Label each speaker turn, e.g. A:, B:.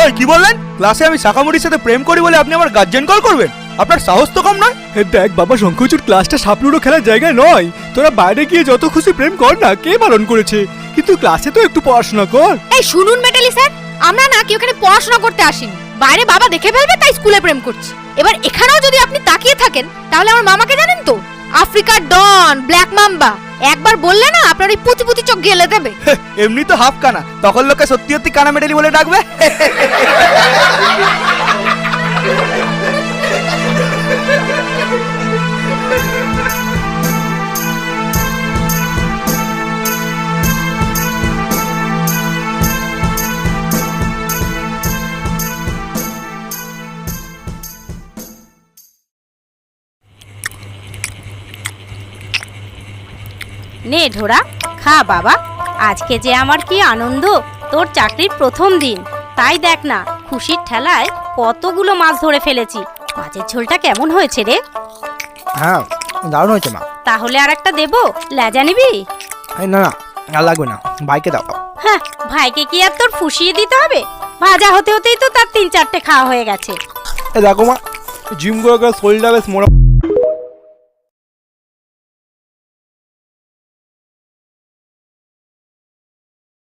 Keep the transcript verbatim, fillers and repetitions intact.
A: এই কি বললেন? ক্লাসে আমি শাখামুড়ির সাথে প্রেম করি বলে আপনি আমার গার্জেন কল করবেন? আপনার সাহস তো কম নয়।
B: দেখ বাবা, শঙ্করচূড় ক্লাসটা সাপলুডো খেলার জায়গায় নয়। তোরা বাইরে গিয়ে যত খুশি প্রেম কর না, কে বারণ করেছে? কিন্তু ক্লাসে তো একটু পড়াশোনা কর।
C: এই শুনুন মেটালি স্যার, আমরা না কি ওখানে পড়াশোনা করতে আসিনি। বাইরে বাবা দেখে ফেলবে তাই স্কুলে প্রেম করছি। এবার এখানেও যদি আপনি তাকিয়ে থাকেন তাহলে আমার মামাকে জানেন তো, আফ্রিকার ডন, ব্ল্যাক মাম্বা। একবার বললে না আপনার ওই পুঁতি পুঁতি চোখ গেলে দেবে।
A: এমনি তো হাফ কানা, তখন লোকে সত্যি সত্যি কানা মেডেলি বলে ডাকবে।
D: নে ঢোরা, খা বাবা। আজকে যে আমার কি আনন্দ, তোর চাকরির প্রথম দিন। তাই দেখ না, খুশির ঠেলায় কতগুলো মাছ ধরে ফেলেছি। মাছের ঝোলটা কেমন হয়েছে রে?
E: হ্যাঁ, দারুণ হয়েছে মা।
D: তাহলে আর একটা দেবো, লেজা নিবি?
E: না না, আর লাগবে না, ভাইকে দাও।
D: হ্যাঁ, ভাইকে কি আর তোর ফুসিয়ে দিতে হবে? ভাজা হতে হতেই তো তার তিন চারটে খাওয়া হয়ে গেছে।
E: দেখো মা, জিম করে করে শরীরটা বেশ মোটা।